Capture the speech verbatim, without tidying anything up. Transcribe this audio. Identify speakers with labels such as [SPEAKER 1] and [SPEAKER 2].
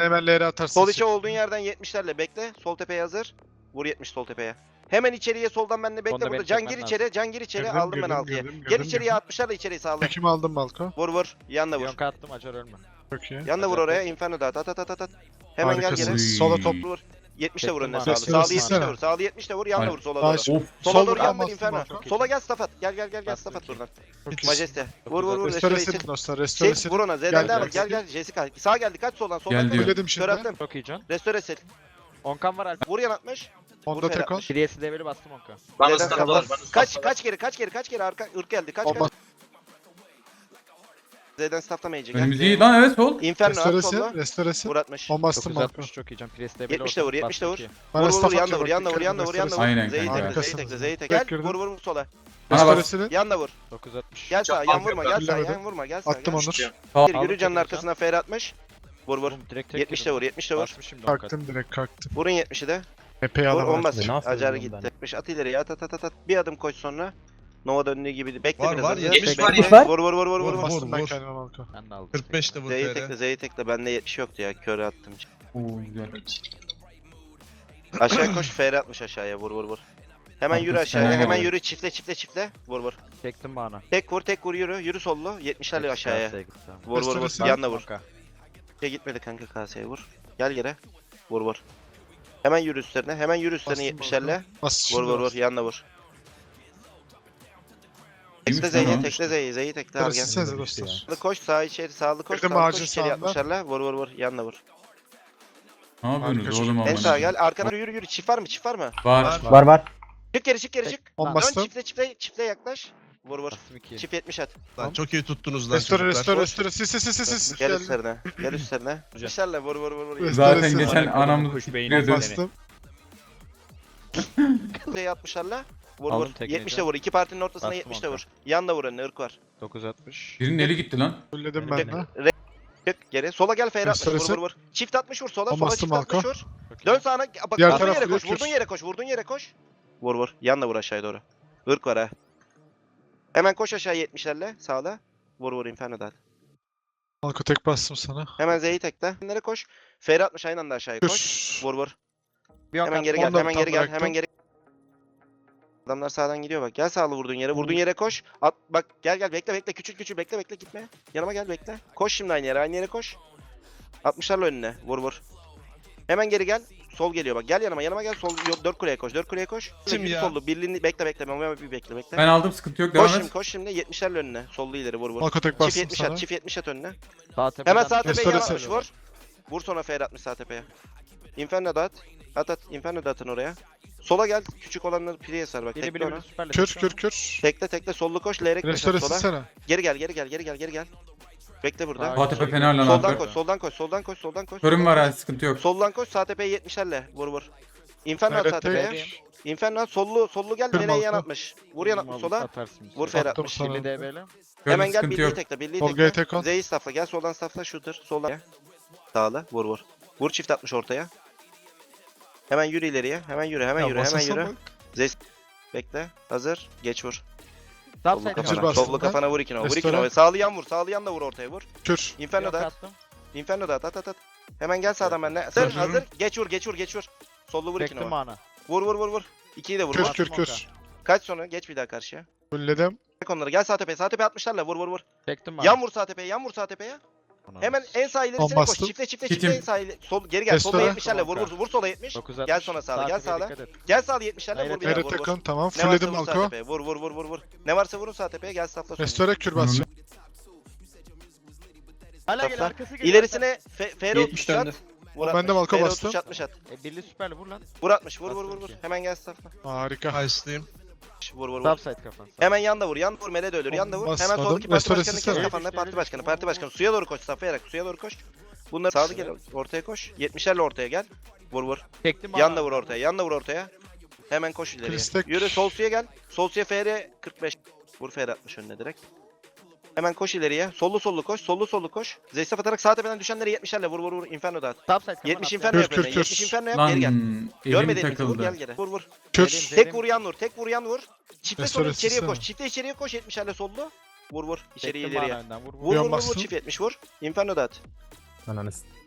[SPEAKER 1] Bana hemen L R atarsın.
[SPEAKER 2] Sol içe olduğun yerden yetmişlerle bekle. Sol tepeye hazır. Vur yetmiş sol tepeye. Hemen içeriye soldan benle bekle
[SPEAKER 3] Onda
[SPEAKER 2] burada.
[SPEAKER 3] beni
[SPEAKER 2] Can
[SPEAKER 3] çekmen
[SPEAKER 2] gir
[SPEAKER 3] lazım.
[SPEAKER 2] içeri. Can gir içeri.
[SPEAKER 1] Girdim,
[SPEAKER 2] Aldım ben
[SPEAKER 1] girdim,
[SPEAKER 2] altıya.
[SPEAKER 1] girdim,
[SPEAKER 2] Gel
[SPEAKER 1] girdim,
[SPEAKER 2] içeriye
[SPEAKER 1] girdim.
[SPEAKER 2] altmışlarla içeriye sağla.
[SPEAKER 1] Tekimi aldım Balko.
[SPEAKER 2] Vur vur. Yanla vur.
[SPEAKER 3] Yonka attım acar ölme.
[SPEAKER 1] Çok iyi.
[SPEAKER 2] Yanla vur oraya. Inferno da at at at at at. Hemen gel
[SPEAKER 1] Harikasın.
[SPEAKER 2] geri.
[SPEAKER 1] Sola top.
[SPEAKER 2] Vur. yetmişte vur
[SPEAKER 3] Çektim
[SPEAKER 2] önüne
[SPEAKER 3] abi.
[SPEAKER 2] sağlı.
[SPEAKER 1] Restore
[SPEAKER 2] Sağlı yetmişte
[SPEAKER 1] silsene.
[SPEAKER 2] vur. Sağlı yetmişte vur. Yanla
[SPEAKER 4] Hayır.
[SPEAKER 2] vur sola doğru.
[SPEAKER 1] Baş.
[SPEAKER 2] Sola
[SPEAKER 1] Sol
[SPEAKER 2] doğru
[SPEAKER 1] vur,
[SPEAKER 2] yan ver
[SPEAKER 1] almazsın
[SPEAKER 2] Inferno.
[SPEAKER 1] Balko.
[SPEAKER 2] Sola gel Stafat. Gel gel gel gel
[SPEAKER 3] Bastım
[SPEAKER 2] Stafat
[SPEAKER 3] ki.
[SPEAKER 2] buradan.
[SPEAKER 1] Çok iyi.
[SPEAKER 2] Majeste. Vur vur vur.
[SPEAKER 1] Restore
[SPEAKER 2] Restore
[SPEAKER 1] silin
[SPEAKER 2] için.
[SPEAKER 1] dostlar. Restore
[SPEAKER 2] Sil
[SPEAKER 1] silin.
[SPEAKER 2] vur ona.
[SPEAKER 1] Gel,
[SPEAKER 2] Z'den devam et.
[SPEAKER 1] gel.
[SPEAKER 2] Gel gel. Jessica. Sağ geldi. Kaç soldan.
[SPEAKER 4] Gel
[SPEAKER 2] Soldan
[SPEAKER 4] diyor.
[SPEAKER 1] Söyledim
[SPEAKER 2] Kör
[SPEAKER 1] şimdi.
[SPEAKER 2] attım.
[SPEAKER 3] Çok iyi can.
[SPEAKER 2] Restore sil.
[SPEAKER 3] Onkan var Alp.
[SPEAKER 2] Vur yan atmış.
[SPEAKER 1] Onda
[SPEAKER 2] Vur
[SPEAKER 1] tek on.
[SPEAKER 2] Ferhat'mış.
[SPEAKER 3] Şiriyesi develi bastım Onka.
[SPEAKER 5] Bana
[SPEAKER 2] Z'den
[SPEAKER 5] stop
[SPEAKER 2] kapat.
[SPEAKER 5] var. Bana stop
[SPEAKER 2] Kaç
[SPEAKER 5] var.
[SPEAKER 2] kaç geri kaç geri kaç geri arka ırk geldi. Kaç
[SPEAKER 1] Bomba.
[SPEAKER 2] kaç. Z'den stafflamayacak.
[SPEAKER 4] Önümüz iyi lan, evet sol.
[SPEAKER 2] Inferno
[SPEAKER 1] Restore
[SPEAKER 2] at
[SPEAKER 1] sil.
[SPEAKER 2] solla.
[SPEAKER 1] Restore sil.
[SPEAKER 2] Vur atmış.
[SPEAKER 1] On bastım
[SPEAKER 3] dokuz
[SPEAKER 1] Balko.
[SPEAKER 3] altmış çok iyi can. Pires develi
[SPEAKER 2] yetmişte vur, yetmişte vur.
[SPEAKER 1] Bana
[SPEAKER 2] Vur vur vur
[SPEAKER 1] staff
[SPEAKER 2] yanla
[SPEAKER 1] atacak.
[SPEAKER 2] vur yanla vur
[SPEAKER 1] Dikkat
[SPEAKER 2] yanla
[SPEAKER 1] edin,
[SPEAKER 2] vur yanla
[SPEAKER 1] restore
[SPEAKER 2] vur.
[SPEAKER 4] Aynen
[SPEAKER 2] Z'yi
[SPEAKER 4] kanka.
[SPEAKER 2] tekle Z'yi tekle Z'yi tekle. Gel
[SPEAKER 1] Bekledim.
[SPEAKER 2] vur vur vur sola.
[SPEAKER 4] Bana
[SPEAKER 1] Restore
[SPEAKER 4] bak.
[SPEAKER 1] silin.
[SPEAKER 2] Yanla vur.
[SPEAKER 3] dokuz altmış.
[SPEAKER 2] Gel sağa
[SPEAKER 5] Çok
[SPEAKER 2] yan vurma gel sağa
[SPEAKER 1] Fullemedim.
[SPEAKER 2] yan vurma gel sağa.
[SPEAKER 1] Attım
[SPEAKER 2] gel.
[SPEAKER 1] Onur.
[SPEAKER 4] Sağ.
[SPEAKER 2] Gir, Yürü canın arkasına fer atmış. Vur vur.
[SPEAKER 3] Oğlum direkt tek
[SPEAKER 2] yetmişte vur yetmişte vur.
[SPEAKER 3] Basmış şimdi Onka.
[SPEAKER 1] Kalktım direkt kalktım.
[SPEAKER 2] Vurun yetmişi de.
[SPEAKER 1] Epey
[SPEAKER 2] Vur on
[SPEAKER 1] alamadım.
[SPEAKER 2] bas.
[SPEAKER 6] Ne yapıyorum
[SPEAKER 2] Acar
[SPEAKER 6] ben?
[SPEAKER 2] gitti. yetmiş at ileriye at at at at. at. Bir adım koş sonra. Nova döndüğü gibi. Bekle
[SPEAKER 7] Var,
[SPEAKER 2] biraz.
[SPEAKER 7] var,
[SPEAKER 2] hazır.
[SPEAKER 7] yetmiş
[SPEAKER 2] Bekle.
[SPEAKER 5] var,
[SPEAKER 6] yetmiş var.
[SPEAKER 2] Vur vur vur vur vur.
[SPEAKER 7] Vur,
[SPEAKER 2] vur.
[SPEAKER 1] Bastım ben
[SPEAKER 7] vur.
[SPEAKER 1] kendime Balko.
[SPEAKER 3] Ben de aldım.
[SPEAKER 7] kırk beşte vur
[SPEAKER 2] Z'yi
[SPEAKER 7] F R.
[SPEAKER 2] tekle Z'yi tekle. Bende yetmiş yoktu ya. Körü attım.
[SPEAKER 4] Oo güzel.
[SPEAKER 2] Aşağı koş fer atmış aşağıya. Vur vur vur. Hemen yürü
[SPEAKER 4] Haklısın,
[SPEAKER 2] aşağıya.
[SPEAKER 4] aynen
[SPEAKER 2] Hemen
[SPEAKER 4] öyle.
[SPEAKER 2] yürü çiftle çiftle çiftle. Vur vur.
[SPEAKER 3] Çektim bana.
[SPEAKER 2] Tek vur tek vur yürü. Yürü sollu. yetmişlerle aşağıya.
[SPEAKER 3] Kaseye gitti abi.
[SPEAKER 2] Vur vur vur.
[SPEAKER 1] Gösterirsin.
[SPEAKER 2] Yanla vur.
[SPEAKER 3] Onka.
[SPEAKER 2] Şey gitmedi kanka kaseye vur. Gel geri. Vur vur. Hemen yürü üstlerine. Hemen yürü üstlerine
[SPEAKER 1] Bastım
[SPEAKER 2] yetmişlerle.
[SPEAKER 1] Bas
[SPEAKER 2] Vur
[SPEAKER 1] şimdi
[SPEAKER 2] vur vur.
[SPEAKER 1] bas.
[SPEAKER 2] Yanla vur.
[SPEAKER 4] İyiymiş
[SPEAKER 2] Tekle
[SPEAKER 4] lan
[SPEAKER 2] Z'yi,
[SPEAKER 4] o.
[SPEAKER 2] tekle Z'yi, Z'yi tekle al
[SPEAKER 1] Restore
[SPEAKER 2] gel.
[SPEAKER 1] silsenize dostlar.
[SPEAKER 2] Sağlı koş, sağ içeri, sağlı koş,
[SPEAKER 1] Girdim
[SPEAKER 2] sağlı
[SPEAKER 1] ağacın
[SPEAKER 2] koş, içeri
[SPEAKER 1] sağında.
[SPEAKER 2] yapmışlarla. Vur vur vur, yanla vur.
[SPEAKER 4] Ne yapıyorsunuz
[SPEAKER 1] Harika.
[SPEAKER 4] oğlum
[SPEAKER 2] En
[SPEAKER 4] amına?
[SPEAKER 2] sağa gel, arkana yürü yürü, çift var mı, çift var mı?
[SPEAKER 4] Var.
[SPEAKER 6] Var var.
[SPEAKER 2] Çık geri, çık geri, çık.
[SPEAKER 1] On
[SPEAKER 2] Dön
[SPEAKER 1] bastım.
[SPEAKER 2] çiftle, çiftle, çiftle yaklaş. Vur vur.
[SPEAKER 3] Bastım iki.
[SPEAKER 2] Çift yetmiş at.
[SPEAKER 7] Lan çok iyi tuttunuz lan
[SPEAKER 1] Restore
[SPEAKER 7] çocuklar.
[SPEAKER 1] restore restore. Sil sil sil sil sil.
[SPEAKER 2] Gel
[SPEAKER 1] Geldim.
[SPEAKER 2] üstlerine, gel üstlerine. İşlerle vur vur vur vur.
[SPEAKER 1] Restore
[SPEAKER 4] Zaten
[SPEAKER 1] sil.
[SPEAKER 4] geçen
[SPEAKER 3] Bana
[SPEAKER 4] anamızı
[SPEAKER 3] kuş beyni
[SPEAKER 4] siktiriyordun.
[SPEAKER 1] Bastım.
[SPEAKER 2] Z'yi atmışlarla. Vur
[SPEAKER 3] Aldım
[SPEAKER 2] vur.
[SPEAKER 3] tekneyi
[SPEAKER 2] yetmişte
[SPEAKER 3] can.
[SPEAKER 2] vur. İki partinin ortasına
[SPEAKER 3] Bastım
[SPEAKER 2] yetmişte
[SPEAKER 3] onka.
[SPEAKER 2] vur. Yanla vur önüne, ırk var.
[SPEAKER 3] dokuz altmış.
[SPEAKER 4] Birinin eli gitti lan.
[SPEAKER 1] Fulledim
[SPEAKER 3] Benim
[SPEAKER 1] ben de.
[SPEAKER 2] Re- Çık geri. Sola gel, fer atmış. Vur
[SPEAKER 1] Restoresi.
[SPEAKER 2] vur vur. Çift atmış vur sola,
[SPEAKER 1] On
[SPEAKER 2] sola
[SPEAKER 1] bastım
[SPEAKER 2] çift atmış
[SPEAKER 1] Malko.
[SPEAKER 2] vur.
[SPEAKER 3] Çok iyi.
[SPEAKER 2] Dön sağına. Bak
[SPEAKER 1] Diğer
[SPEAKER 2] vurduğun
[SPEAKER 1] taraf
[SPEAKER 2] yere koş,
[SPEAKER 1] Blue
[SPEAKER 2] vurduğun
[SPEAKER 1] Kür.
[SPEAKER 2] yere koş, vurduğun yere koş. Vur vur. Yanla vur aşağıya doğru. Irk var ha. Hemen koş aşağı yetmişlerle sağla. Vur vur Inferno dağıt.
[SPEAKER 1] Balko tek bastım sana.
[SPEAKER 2] Hemen Z'yi tekle. Nereye koş? Fer atmış aynı anda aşağıya koş.
[SPEAKER 1] Kür.
[SPEAKER 2] Vur vur.
[SPEAKER 3] Bir Onka
[SPEAKER 2] Hemen geri
[SPEAKER 3] attım.
[SPEAKER 2] gel,
[SPEAKER 1] Onu da
[SPEAKER 2] hemen
[SPEAKER 1] tam
[SPEAKER 2] geri gel,
[SPEAKER 1] bıraktım.
[SPEAKER 2] hemen geri. Adamlar sağdan gidiyor bak. Gel sağlı vurduğun yere. Vurduğun yere koş. At bak gel gel bekle bekle küçül küçül bekle bekle gitme. Yanıma gel bekle. Koş şimdi aynı yere. Aynı yere koş. altmışlarla önüne. Vur vur. Hemen geri gel. Sol geliyor bak. Gel yanıma. Yanıma gel. Sol yok dört kuleye koş. dört kuleye koş.
[SPEAKER 7] Kim
[SPEAKER 2] Yürü
[SPEAKER 7] ya?
[SPEAKER 2] Sollu. Birliğini bekle bekle. Ben bir bekle bekle.
[SPEAKER 4] Ben aldım, sıkıntı yok, devam
[SPEAKER 2] Koş şimdi
[SPEAKER 4] et.
[SPEAKER 2] koş şimdi yetmişlerle önüne. Sollu ileri vur vur.
[SPEAKER 1] Balko tek
[SPEAKER 2] Çift
[SPEAKER 1] bastım
[SPEAKER 2] yetmiş
[SPEAKER 1] sana.
[SPEAKER 2] at. Çift yetmiş at önüne.
[SPEAKER 3] Sağ tepeden
[SPEAKER 2] Hemen sağ tepeye
[SPEAKER 1] Restore
[SPEAKER 2] yan atmış
[SPEAKER 1] sil.
[SPEAKER 2] vur. Vur sonra fer atmış sağ tepeye. Inferno da at. At at. Inferno da atın oraya. Sola gel. Küçük olanları priye sar bak.
[SPEAKER 3] Biri
[SPEAKER 2] Tekle
[SPEAKER 3] biri
[SPEAKER 2] ona.
[SPEAKER 3] biri süperle.
[SPEAKER 1] Kür
[SPEAKER 3] tekrar.
[SPEAKER 1] kür kür.
[SPEAKER 2] Tekle tekle sollu koş. Lerek koş
[SPEAKER 1] Restore
[SPEAKER 2] sola.
[SPEAKER 1] silsene.
[SPEAKER 2] Geri gel geri gel geri gel geri gel. Bekle burada.
[SPEAKER 3] Sağ-
[SPEAKER 4] Sağ tepe fener lan
[SPEAKER 2] Soldan
[SPEAKER 4] abi.
[SPEAKER 2] koş soldan koş soldan koş soldan koş.
[SPEAKER 4] Körüm
[SPEAKER 2] soldan
[SPEAKER 4] var
[SPEAKER 2] koş.
[SPEAKER 4] ha, sıkıntı yok.
[SPEAKER 2] Soldan koş sağ tepeye yetmişlerle. Vur vur. Inferno at sağ
[SPEAKER 1] Evet,
[SPEAKER 2] tepeye.
[SPEAKER 3] tek.
[SPEAKER 2] Inferno at sollu sollu gel.
[SPEAKER 1] Kırma
[SPEAKER 2] Nereye yan
[SPEAKER 1] altı.
[SPEAKER 2] atmış. Vur yan atmış sola.
[SPEAKER 3] Atarsın.
[SPEAKER 2] Vur fer
[SPEAKER 1] Attım
[SPEAKER 2] atmış.
[SPEAKER 1] sana.
[SPEAKER 3] Birli D B'li.
[SPEAKER 4] Körüm,
[SPEAKER 2] Hemen gel
[SPEAKER 4] sıkıntı
[SPEAKER 2] birliği
[SPEAKER 4] yok.
[SPEAKER 2] tekle birliği
[SPEAKER 1] Tolga'ya
[SPEAKER 2] tekle.
[SPEAKER 1] tek on.
[SPEAKER 2] Z'yi safla gel soldan safla şudur. Soldan. Sağla vur vur. Vur çift atmış ortaya. Hemen yürü ileriye. Hemen yürü hemen
[SPEAKER 1] Ya
[SPEAKER 2] yürü hemen
[SPEAKER 1] basasana
[SPEAKER 2] yürü.
[SPEAKER 1] bak.
[SPEAKER 2] Z'yi bekle. Hazır. Geç vur.
[SPEAKER 3] Sağ
[SPEAKER 2] Sollu
[SPEAKER 3] side
[SPEAKER 1] Hazır
[SPEAKER 2] kafana.
[SPEAKER 1] bastım
[SPEAKER 2] Sollu
[SPEAKER 1] ben.
[SPEAKER 2] kafana vur ikine. Vur
[SPEAKER 1] Restore.
[SPEAKER 2] ikine. Sağlı yan vur. Sağlı yan da vur ortaya vur.
[SPEAKER 1] Kür.
[SPEAKER 2] Inferno da at.
[SPEAKER 3] attım.
[SPEAKER 2] Inferno da at at at at. Hemen gel sağdan benimle. Hazır
[SPEAKER 4] Hazırım.
[SPEAKER 2] hazır. Geç vur geç vur geç vur. Sollu vur ikine
[SPEAKER 3] Çektim
[SPEAKER 2] vur.
[SPEAKER 3] bana.
[SPEAKER 2] Vur vur vur vur. İkiyi de vur.
[SPEAKER 1] Kür
[SPEAKER 2] vur.
[SPEAKER 1] kür kür.
[SPEAKER 2] Kaç sonra geç bir daha karşıya.
[SPEAKER 1] Fulledim.
[SPEAKER 2] Çek onları. Gel sağ tepeye. Sağ tepeye atmışlarla vur vur vur.
[SPEAKER 3] Çektim bana.
[SPEAKER 2] Yan vur sağ tepeye. Yan vur sağ tepeye. Hemen en sağ ilerisine koş.
[SPEAKER 1] bastım.
[SPEAKER 2] Çifte çifte
[SPEAKER 4] Kitim.
[SPEAKER 2] çifte en sağ ileri. Sol geri gel. Solda
[SPEAKER 1] Restore.
[SPEAKER 2] yetmişlerle vur vur. Vur sola yetmiş.
[SPEAKER 3] dokuz altmış.
[SPEAKER 2] Gel sonra sağda, gel
[SPEAKER 3] tepeye
[SPEAKER 2] sağda.
[SPEAKER 3] dikkat et.
[SPEAKER 2] Gel sağda yetmişlerle vur
[SPEAKER 3] Hayret
[SPEAKER 2] bir daha
[SPEAKER 1] Hayret
[SPEAKER 2] vur vur.
[SPEAKER 1] tek on tamam.
[SPEAKER 2] Ne varsa
[SPEAKER 1] Fulledim
[SPEAKER 2] vur sağ
[SPEAKER 1] Balko.
[SPEAKER 2] tepeye. Vur vur vur vur vur. Ne varsa vurun sağ tepeye. Gel safla sonra.
[SPEAKER 1] Restore kür basacağım.
[SPEAKER 3] Hala gel
[SPEAKER 2] Safla.
[SPEAKER 3] arkası geliyor.
[SPEAKER 2] İlerisine F F
[SPEAKER 5] yetmiş
[SPEAKER 2] otuz at.
[SPEAKER 5] döndü.
[SPEAKER 2] Vur
[SPEAKER 1] Ben de
[SPEAKER 2] atmış.
[SPEAKER 1] Malko
[SPEAKER 2] F
[SPEAKER 1] bastım.
[SPEAKER 2] otuz atmış at.
[SPEAKER 3] E, birli süperli vur lan.
[SPEAKER 2] Vur atmış. Vur vur
[SPEAKER 3] Bastım
[SPEAKER 2] vur vur.
[SPEAKER 3] ki.
[SPEAKER 2] Hemen gel safla.
[SPEAKER 1] Harika.
[SPEAKER 7] Ice'lıyım.
[SPEAKER 2] Vur vur vur.
[SPEAKER 3] Subside kafan.
[SPEAKER 2] Hemen yanda vur. Yanda vur. Mele de ölür. Yanda vur. Hemen
[SPEAKER 1] Basmadım.
[SPEAKER 2] soldaki parti
[SPEAKER 1] Restore
[SPEAKER 2] başkanı kes
[SPEAKER 1] silsene.
[SPEAKER 2] kafanda. Parti başkanı. Parti başkanı. Suya doğru koş. Saflayarak suya doğru koş. Bunları sağlı gel. Ortaya koş. yetmişlerle ortaya gel. Vur vur.
[SPEAKER 3] Çektim bana.
[SPEAKER 2] Yanda vur ortaya. Yanda vur ortaya. Hemen koş ileriye.
[SPEAKER 1] Kristek.
[SPEAKER 2] Yürü sol suya gel. Sol suya F R kırk beş. Vur F R atmış önüne direkt. Hemen koş ileriye. Sollu sollu koş. Sollu sollu koş. Zeystaf atarak sağ tepeden düşenleri yetmişlerle vur vur vur. Inferno dağıt.
[SPEAKER 3] Subside kafan.
[SPEAKER 2] yetmiş
[SPEAKER 3] attı.
[SPEAKER 2] Inferno
[SPEAKER 1] Kür,
[SPEAKER 2] yap
[SPEAKER 1] kür,
[SPEAKER 2] önüne.
[SPEAKER 1] kür.
[SPEAKER 2] yetmiş Inferno yap
[SPEAKER 4] Lan
[SPEAKER 2] geri gel.
[SPEAKER 4] elim
[SPEAKER 2] Görmediğin vur
[SPEAKER 4] takıldı.
[SPEAKER 2] gel geri. Vur vur.
[SPEAKER 1] Kür.
[SPEAKER 2] Tek vur yan vur. Tek vur yan vur. Çifte sonra
[SPEAKER 1] Restore
[SPEAKER 2] içeriye
[SPEAKER 1] silsene.
[SPEAKER 2] koş. Çifte içeriye koş. yetmişlerle sollu. Vur vur. İçeriye
[SPEAKER 3] Çektim
[SPEAKER 2] ileriye.
[SPEAKER 3] bana önden. Vur vur.
[SPEAKER 2] Vur vur vur, vur
[SPEAKER 1] bastım.
[SPEAKER 2] çift yetmiş vur. Inferno dağıt.
[SPEAKER 6] Ananı s-